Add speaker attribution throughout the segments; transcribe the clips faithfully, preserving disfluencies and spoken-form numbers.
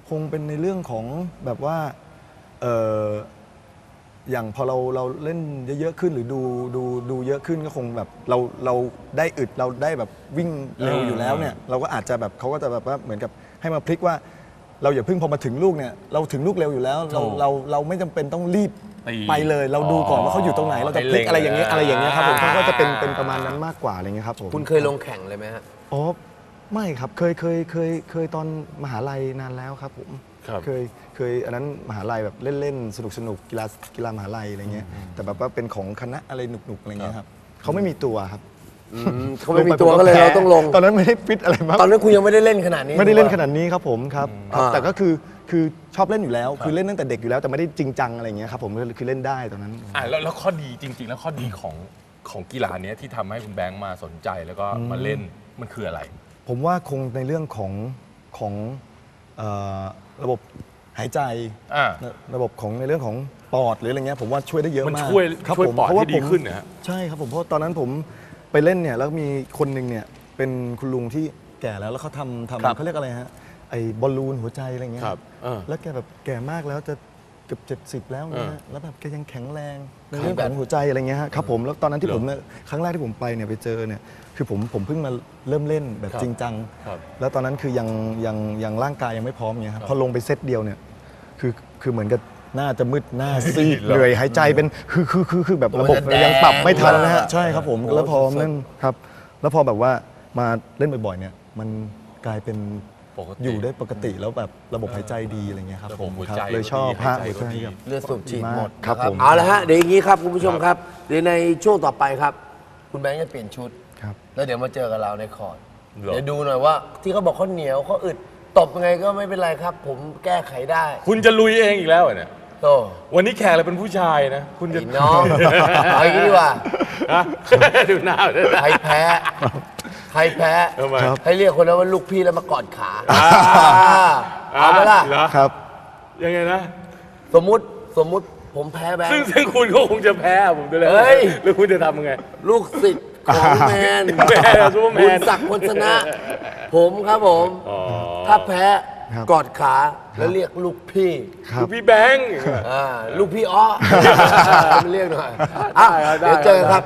Speaker 1: คงเป็นในเรื่องของแบบว่าเอออย่างพอเราเราเล่นเยอะๆขึ้นหรือดูดูดูเยอะขึ้นก็คงแบบเราเราได้อึดเราได้แบบวิ่งเร็วอยู่แล้วเนี่ยเราก็อาจจะแบบเขาก็จะแบบว่าเหมือนกับให้มาพลิกว่าเราอย่าเพิ่งพอมาถึงลูกเนี่ยเราถึงลูกเร็วอยู่แล้วเราเราเราไม่จำเป็นต้องรีบไปเลยเราดูก่อนว่าเขาอยู่ตรงไหนเราจะพลิกอะไรอย่างเงี้ยอะไรอย่างเงี้ยครับผมเขาก็จะเป็นเป็นประมาณนั้นมากกว่าอะไรเงี้ยครับผม
Speaker 2: คุณเคยลงแข่งเลยไหมฮะ
Speaker 1: อ๋อไม่ครับเคยเคยเคยเคยตอนมหาลัยนานแล้วครับผมเคยเคยอันนั้นมหาลัยแบบเล่นๆสนุกสนุกกีฬากีฬามหาลัยอะไรเงี้ยแต่แบบว่าเป็นของคณะอะไรหนุกๆอะไรเงี้ยครับเขาไม่มีตัวครับ
Speaker 2: เขาไม่มีตัวก็เลยเราต้องลง
Speaker 1: ตอนนั้นไม่ได้ฟิตอะไรมาก
Speaker 2: ตอนนั้นคุณยังไม่ได้เล่นขนาดนี้
Speaker 1: ไม่ได้เล่นขนาดนี้ครับผมครับแต่ก็คือคือชอบเล่นอยู่แล้วคือเล่นตั้งแต่เด็กอยู่แล้วแต่ไม่ได้จริงจังอะไรเงี้ยครับผมคือเล่นได้ตอนนั้น
Speaker 3: อ่าแล้วแล้วข้อดีจริงๆแล้วข้อดีของของกีฬานี้ที่ทำให้คุณแบงค์มาสนใจแล้วก็มาเล่นมันคืออะไร
Speaker 1: ผมว่าคงในเรื่องของของระบบหายใจระบบของในเรื่องของปอดหรืออะไรเงี้ยผมว่าช่วยได้เยอะมาก
Speaker 3: มันช่วยช่วยปอดให้ดีขึ้นนะ
Speaker 1: ใช่ครับผมเพราะตอนนั้นผมไปเล่นเนี่ยแล้วมีคนหนึ่งเนี่ยเป็นคุณลุงที่แก่แล้วแล้วเขาทำทำเขาเรียกอะไรฮะไอ้บอลลูนหัวใจอะไรเงี้ยแล้วแกแบบแก่มากแล้วจะเกือบเจ็ดสิบแล้วนะแล้วแบบแกยังแข็งแรงในเรื่องของหัวใจอะไรเงี้ยครับผมแล้วตอนนั้นที่ผมครั้งแรกที่ผมไปเนี่ยไปเจอเนี่ยคือผมผมเพิ่งมาเริ่มเล่นแบบจริงจังแล้วตอนนั้นคือยังยังยังร่างกายยังไม่พร้อมเงี้ยครับพอลงไปเซตเดียวเนี่ยคือคือเหมือนกับหน้าจะมืดหน้าซีดเหนื่อยหายใจเป็นคือคือคือคือแบบระบบยังปรับไม่ทันนะฮะใช่ครับผมแล้วพอเล่นครับแล้วพอแบบว่ามาเล่นบ่อยๆเนี่ยมันกลายเป็นอยู่ได้ปกติแล้วแบบระบบหายใจดีอะไรเงี้ยครับผมเลยชอบพระหัวใจ
Speaker 2: เลือดสูบฉีดหมด
Speaker 1: ครับผม
Speaker 2: เอาละฮะเดี๋ยวอย่างนี้ครับคุณผู้ชมครับเดี๋ยวในช่วงต่อไปครับคุณแบงค์จะเปลี่ยนชุดแล้วเดี๋ยวมาเจอกับเราในคอร์ดเดี๋ยวดูหน่อยว่าที่เขาบอกเขาเหนียวเขาอึดตบยังไงก็ไม่เป็นไรครับผมแก้ไขได้
Speaker 3: คุณจะลุยเองอีกแล้วเนี่ย
Speaker 2: โต
Speaker 3: วันนี้แขกเราเป็นผู้ชายนะคุณจะ
Speaker 2: น้องเอาอย่างนี้ดีกว่า
Speaker 3: ดูหน้า
Speaker 2: ใครแพ้ใครแพ้ให้เรียกคนนั้นว่าลูกพี่แล้วมากอดขาเอาไหมล่ะ
Speaker 1: ครับ
Speaker 3: ยังไงนะ
Speaker 2: สมมุติสมมุติผมแพ้แบงค์
Speaker 3: ซึ่งซึ่งคุณก็คงจะแพ้ผมด้วยเลยแล้วคุณจะทำยังไง
Speaker 2: ลูกศิษย์ของแมนบุญศักดิ์พลชนะ ผมครับผมถ้าแพ้กอดขาแล้วเรียกลูกพี่
Speaker 3: ลูกพี่แบงค์
Speaker 2: ลูกพี่อ้อมาเรียกหน่อยเดี๋ยวเจอครับ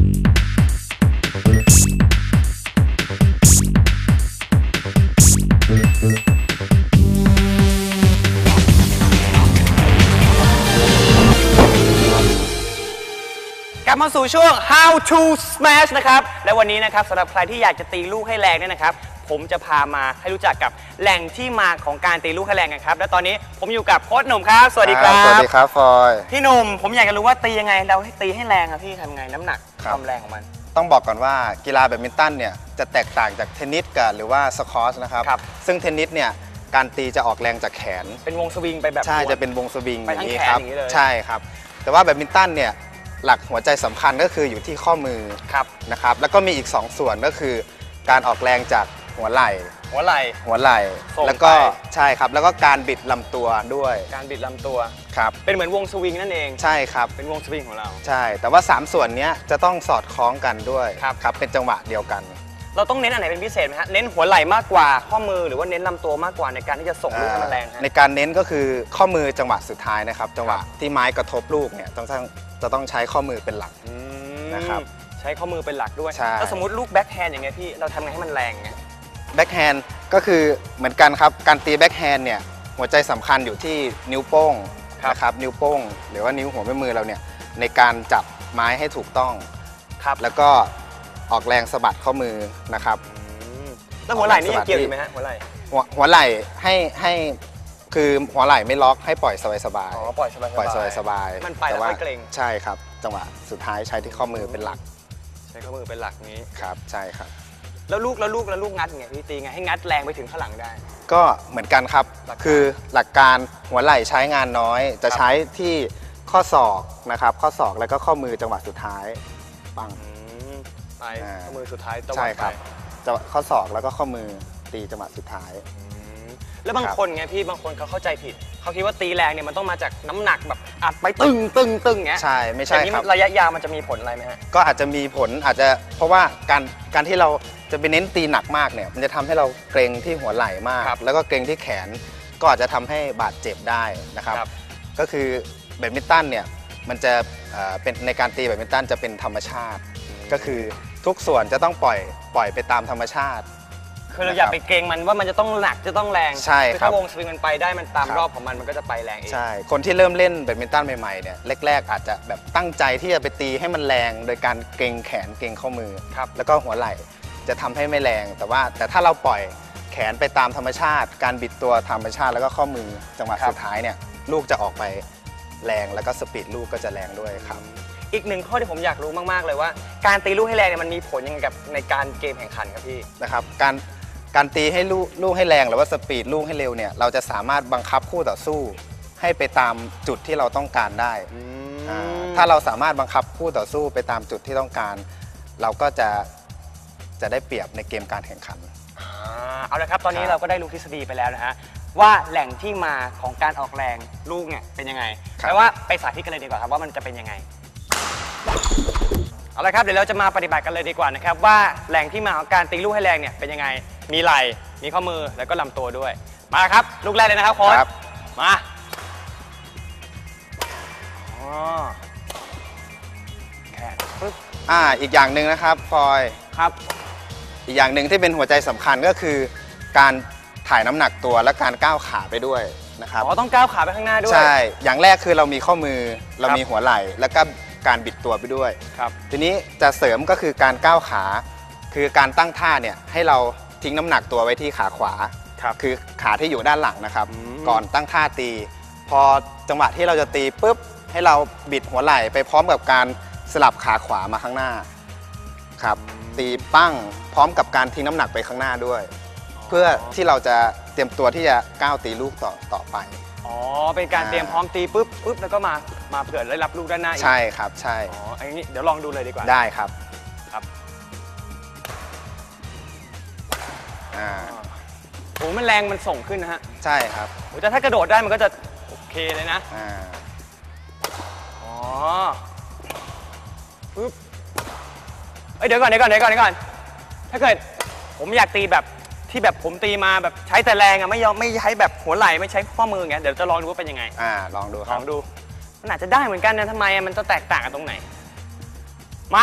Speaker 4: กลับมาสู่ช่วง How to Smash นะครับและวันนี้นะครับสำหรับใครที่อยากจะตีลูกให้แรงเนี่ยนะครับผมจะพามาให้รู้จักกับแหล่งที่มาของการตีลูกให้แรงกันครับและตอนนี้ผมอยู่กับโค้ชหนุ่มครับสวัสดีครับ
Speaker 5: สวัสดีครับฟอย
Speaker 4: พี่หนุ่มผมอยากจะรู้ว่าตียังไงเราให้ตีให้แรงครับพี่ทำไงน้ำหนักความแรงของมัน
Speaker 5: ต้องบอกก่อนว่ากีฬาแบดมินตันเนี่ยจะแตกต่างจากเทนนิสกับหรือว่าสควอชนะครับซึ่งเทนนิสเนี่ยการตีจะออกแรงจากแขน
Speaker 4: เป็นวงสวิงไปแบบ
Speaker 5: ใช่จะเป็นวงสวิง
Speaker 4: อย่างนี้ครับ
Speaker 5: ใช่ครับแต่ว่าแบดมินตันเนี่ยหลักหัวใจสำคัญก็คืออยู่ที่ข้อมือนะครับแล้วก็มีอีกสองส่วนก็คือการออกแรงจากหัวไหล่
Speaker 4: หัวไหล่
Speaker 5: หัวไหล่แล้วก็ใช่ครับแล้วก็การบิดลำตัวด้วย
Speaker 4: การบิดลำตัว
Speaker 5: ครับ
Speaker 4: เป็นเหมือนวงสวิงนั่นเอง
Speaker 5: ใช่ครับ
Speaker 4: เป็นวงสวิงของเรา
Speaker 5: ใช่แต่ว่าสามส่วนนี้จะต้องสอดคล้องกันด้วย
Speaker 4: ครับ
Speaker 5: ครับเป็นจังหวะเดียวกัน
Speaker 4: เราต้องเน้นอันไหนเป็นพิเศษไหมฮะเน้นหัวไหล่มากกว่าข้อมือหรือว่าเน้นลำตัวมากกว่าในการที่จะส่งลูกให้มันแรง
Speaker 5: ในการเน้นก็คือข้อมือจังหวะสุดท้ายนะครับจังหวะที่ไม้กระทบลูกเนี่ยต้องจะต้องใช้ข้อมือเป็นหลักนะครับ
Speaker 4: ใช้ข้อมือเป็นหลักด้วย
Speaker 5: ถ้
Speaker 4: าสมมติลูกแบ็คแฮนด์อย่างเงี้ยพี่เราทำไงให้มันแรงไง
Speaker 5: แบ็คแฮนด์ก็คือเหมือนกันครับการตีแบ็คแฮนด์เนี่ยหัวใจสำคัญอยู่ที่นิ้วโป้งนะครับนิ้วโป้งหรือว่านิ้วหัวแม่มือเราเนี่ยในการจับไม้ให้ถูกต้อง
Speaker 4: ครับ
Speaker 5: แล้วก็ออกแรงสะบัดข้อมือนะครับ
Speaker 4: แล้วหัวไหล่นี่ยังเกี่ยวอยู่ไหมฮะหัวไหล่
Speaker 5: หัวหัวไหล่ให้ให้คือหัวไหล่ไม่ล็อกให้ปล่อยสบายๆ
Speaker 4: อ๋อปล่อยสบาย
Speaker 5: ปล่อยสบาย
Speaker 4: ๆมันไปแล้วไม่เกร็ง
Speaker 5: ใช่ครับจังหวะสุดท้ายใช้ที่ข้อมือเป็นหลัก
Speaker 4: ใช้ข้อมือเป็นหลักนี้
Speaker 5: ครับใช่ครับ
Speaker 4: แล้วลูกแล้วลูกแล้วลูกงัดไงพี่ตีไงให้งัดแรงไปถึงข้างหลังได้
Speaker 5: ก็เหมือนกันครับคือหลักการหัวไหล่ใช้งานน้อยจะใช้ที่ข้อศอกนะครับข้อศอกแล้วก็ข้อมือจังหวะสุดท้ายปัง
Speaker 4: ไปข้อมือสุดท้าย
Speaker 5: ใช่ครับจะข้อศอกแล้วก็ข้อมือตีจังหวะสุดท้าย
Speaker 4: แล้วบางคนไงพี่บางคนเขาเข้าใจผิดเขาคิดว่าตีแรงเนี่ยมันต้องมาจากน้ำหนักแบบอัดไปตึงตึงตึงเงี้ย
Speaker 5: ใช่ไม่ใช่ครับ
Speaker 4: ระยะยาวมันจะมีผลอะไรไหมฮะ
Speaker 5: ก็อาจจะมีผลอาจจะเพราะว่าการการที่เราจะไปเน้นตีหนักมากเนี่ยมันจะทำให้เราเกร็งที่หัวไหล่มากแล้วก็เกร็งที่แขนก็อาจจะทำให้บาดเจ็บได้นะครับ
Speaker 4: ครับ
Speaker 5: ก็คือแบดมินตันเนี่ยมันจะเอ่อเป็นในการตีแบดมินตันจะเป็นธรรมชาติ ก็คือทุกส่วนจะต้องปล่อยปล่อยไปตามธรรมชาติ
Speaker 4: คือเราอย่าไปเกรงมันว่ามันจะต้องหนักจะต้องแรง
Speaker 5: ใช่
Speaker 4: คือ
Speaker 5: ครั
Speaker 4: ถ้า
Speaker 5: บ
Speaker 4: วงสวิงมันไปได้มันตาม
Speaker 5: ครับ
Speaker 4: รอบของมันมันก็จะไปแรงเอง
Speaker 5: ใช่ คนที่เริ่มเล่นแบดมินตันใหม่ๆเนี่ยแรกๆอาจจะแบบตั้งใจที่จะไปตีให้มันแรง โดยการเกรงแขนเกรงข้อมือ
Speaker 4: ครับ
Speaker 5: แล้วก็หัวไหล่จะทำให้ไม่แรง แต่ว่าแต่ถ้าเราปล่อยแขนไปตามธรรมชาติ การบิดตัวธรรมชาติแล้วก็ข้อมือจังหวะสุดท้ายเนี่ยลูกจะออกไปแรงแล้วก็สปีดลูกก็จะแรงด้วยครับ
Speaker 4: อีกหนึ่งข้อที่ผมอยากรู้มากๆเลยว่า การตีลูกให้แรงเนี่ยมันมีผลยังไงกับในการเกมแข่งขันครับพี่
Speaker 5: นะครับการการตีให้ลูกลูกให้แรงหรือว่าสปีดลูกให้เร็วเนี่ยเราจะสามารถบังคับคู่ต่อสู้ ให้ไปตามจุดที่เราต้องการได้อ่าถ้าเราสามารถบังคับคู่ต่อสู้ไปตามจุดที่ต้องการ เราก็จะจะได้เปรียบในเกมการแข่งขัน
Speaker 4: อ่าเอาละครับตอนนี้
Speaker 5: ครับ
Speaker 4: เราก็ได้รู้ทฤษฎีไปแล้วนะฮะว่าแหล่งที่มาของการออกแรงลูกเนี่ยเป็นยังไงแปลว่าไปสาธิตกันเลยดีกว่าครับว่ามันจะเป็นยังไงเอาละครับเดี๋ยวเราจะมาปฏิบัติกันเลยดีกว่านะครับว่าแหล่งที่มาของการตีลูกให้แรงเนี่ยเป็นยังไงมีไหล่มีข้อมือแล้วก็ลำตัวด้วยมาครับลูกแรกเลยนะครับโค้ช
Speaker 5: ครับ
Speaker 4: มาอ๋อแขนปึ๊บ
Speaker 5: อ่าอีกอย่างหนึ่งนะครับฟอย
Speaker 4: ครับ
Speaker 5: อีกอย่างหนึ่งที่เป็นหัวใจสำคัญก็คือ การถ่ายน้ำหนักตัวและการก้าวขาไปด้วยนะครับ
Speaker 4: อ๋อต้องก้าวขาไปข้างหน้าด้วย
Speaker 5: ใช่อย่างแรกคือเรามีข้อมือเรา
Speaker 4: ครับ
Speaker 5: มีหัวไหล่แล้วก็การบิดตัวไปด้วย
Speaker 4: ครับ
Speaker 5: ทีนี้จะเสริมก็คือการก้าวขา คือการตั้งท่าเนี่ยให้เราทิ้งน้ำหนักตัวไว้ที่ขาขวา
Speaker 4: ครับ
Speaker 5: คือขาที่อยู่ด้านหลังนะครับ
Speaker 4: อืม
Speaker 5: ก่อนตั้งท่าตี พอจังหวะที่เราจะตีปุ๊บให้เราบิดหัวไหล่ไปพร้อมกับการสลับขาขวามาข้างหน้าครับตีปั้งพร้อมกับการทิ้งน้ำหนักไปข้างหน้าด้วย เพื่อที่เราจะเตรียมตัวที่จะก้าวตีลูกต่อต่อไป
Speaker 4: อ๋อเป็นการเตรียมพร้อมตีปุ๊บปุ๊บแล้วก็มามาเผื่อได้รับลูกด้านหน้าอีก
Speaker 5: ใช่ครับใช่
Speaker 4: อ๋ออันนี้เดี๋ยวลองดูเลยดีกว่า
Speaker 5: ได้ครับ
Speaker 4: ครับ
Speaker 5: อ่า
Speaker 4: โอ้มันแรงมันส่งขึ้นนะฮะ
Speaker 5: ใช่ครับ
Speaker 4: โอ้แต่ถ้ากระโดดได้มันก็จะโอเคเลยนะ
Speaker 5: อ่า
Speaker 4: อ๋อปึ๊บเอ้ยเดี๋ยวก่อนเดี๋ยวก่อนเดี๋ยวก่อนเดี๋ยวก่อนถ้าเกิดผมอยากตีแบบที่แบบผมตีมาแบบใช้แต่แรงอะไม่ยอมไม่ใช้แบบหัวไหล่ไม่ใช้ข้อมืออย่างเงี้ยเดี๋ยวจะลองดูว่าเป็นยังไง
Speaker 5: อ่าลองดูค
Speaker 4: ล
Speaker 5: รั
Speaker 4: อบ งดู มันอาจจะได้เหมือนกันนะทำไมอะมันจะแตกต่างกันตรงไหน มา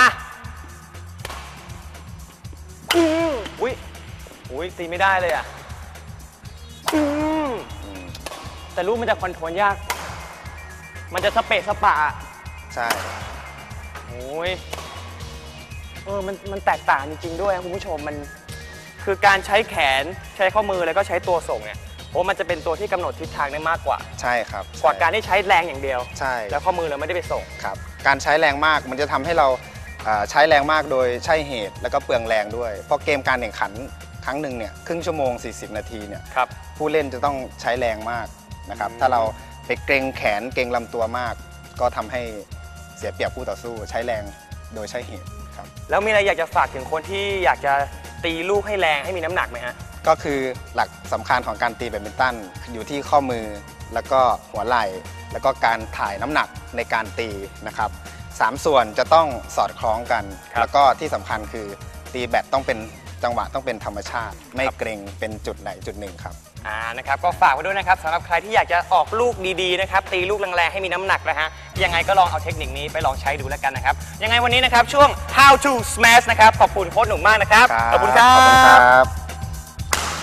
Speaker 4: อืมอุ้ยอุ้ยตีไม่ได้เลยอ่ะอืมแต่ลูกมันจะคอนโทรลยาก มันจะสเปะสปะอะ
Speaker 5: ใช่
Speaker 4: โอ้ยเออมันมันแตกต่างจริงๆด้วยนะคุณผู้ชมมันคือการใช้แขนใช้ข้อมือแล้วก็ใช้ตัวส่งเนี่ยโอ้มันจะเป็นตัวที่กำหนดทิศทางได้มากกว่า
Speaker 5: ใช่ครับ
Speaker 4: กว่าการที่ใช้แรงอย่างเดียว
Speaker 5: ใช่
Speaker 4: แล้วข้อมือเราไม่ได้ไปส่ง
Speaker 5: ครับการใช้แรงมากมันจะทำให้เราอ่าใช้แรงมากโดยใช่เหตุแล้วก็เปลืองแรงด้วย เพราะเกมการแข่งขันครั้งหนึ่งเนี่ยครึ่งชั่วโมง สี่สิบ นาทีเนี่ย
Speaker 4: ครับ
Speaker 5: ผู้เล่นจะต้องใช้แรงมากนะครับถ้าเราไปเกรงแขนเกรงลำตัวมาก ก็ทำให้เสียเปรียบคู่ต่อสู้ ใช้แรงโดยใช่เหตุครับ
Speaker 4: แล้วมีอะไรอยากจะฝากถึงคนที่อยากจะตีลูกให้แรงให้มีน้ำหนักไหมฮะ
Speaker 5: ก็คือหลักสำคัญของการตีแบดมินตันอยู่ที่ข้อมือแล้วก็หัวไหล่ แล้วก็การถ่ายน้ำหนักในการตีนะครับสามส่วนจะต้องสอดคล้องกัน
Speaker 4: ครับ
Speaker 5: แล้วก็ที่สำคัญคือตีแบดต้องเป็นจังหวะต้องเป็นธรรมชาติ ไม่เกรงเป็นจุดไหนจุดหนึ่งครับ
Speaker 4: อ่านะครับก็ฝากไว้ด้วยนะครับสำหรับใครที่อยากจะออกลูกดีๆนะครับตีลูกแรงๆให้มีน้ำหนักนะฮะยังไงก็ลองเอาเทคนิคนี้ไปลองใช้ดูแล้วกันนะครับยังไงวันนี้นะครับช่วง how to smash นะครับขอบคุณโค้ชหนุ่มมากนะครับขอบคุณครั
Speaker 5: ขอบคุณครับ บ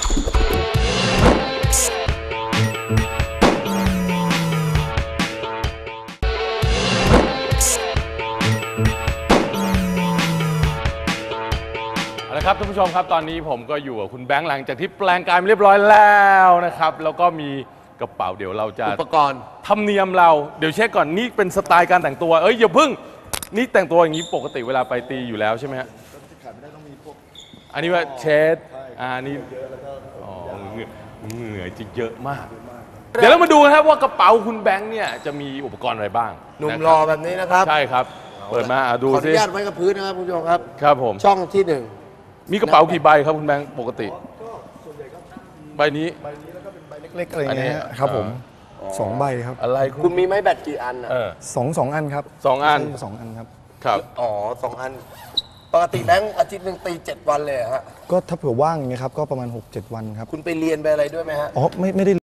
Speaker 3: เอาละครับท่านผู้ชมครับตอนนี้ผมก็อยู่กับคุณแบงค์หลังจากที่แปลงกายมาเรียบร้อยแล้วนะครับแล้วก็มีกระเป๋าเดี๋ยวเราจะ
Speaker 2: อุปกรณ์
Speaker 3: ธรรมเนียมเราเดี๋ยวเช็คก่อนนี่เป็นสไตล์การแต่งตัวเอ้ยอย่าพึ่งนี่แต่งตัวอย่างนี้ปกติเวลาไปตีอยู่แล้วใช่ไหมฮะอันนี้ว่าเชดอ่านี่อ๋อเหงื่อเหงื่อจะเยอะมาก เดี๋ยวเรามาดูนะครับว่ากระเป๋าคุณแบงค์เนี่ยจะมีอุปกรณ์อะไรบ้าง
Speaker 2: หนุ่ม
Speaker 3: ะค
Speaker 2: ร
Speaker 3: บ
Speaker 2: อแบบนี้นะครับ
Speaker 3: ใช่ครับ เปิดมาอ่ะดู
Speaker 2: ขออ
Speaker 3: สิ
Speaker 2: นุญาตไว้กับพื้นนะครับคุณผู้ชมครับ
Speaker 3: ครับผม
Speaker 2: ช่องที่หนึ่ง
Speaker 3: มีกระเป๋ากี่ใบครับคุณแบงค์ปกติใบนี้
Speaker 1: เล็กๆอะไรอย่างเงี้ย
Speaker 3: อันนี้
Speaker 1: ฮะครับผมสองใบครับ
Speaker 3: อะไร
Speaker 2: คุณมีไม้แบตกี่อันอ่ะ
Speaker 3: เออ
Speaker 1: สองสองอันครับ
Speaker 3: สองอัน
Speaker 1: ใช่สองอันครับ
Speaker 3: ครับ
Speaker 2: อ๋อสองอัน ปกติแบงค์อาทิตย์หนึ่งตีเจ็ดวันเลยเหรอฮะ
Speaker 1: ก็ถ้าเผื่อว่างอย่างเงี้ยครับก็ประมาณ หกเจ็ด วันครับ
Speaker 2: คุณไปเรียนไปอะไรด้วยไหมฮะ
Speaker 1: อ๋อไม่ไม่ได้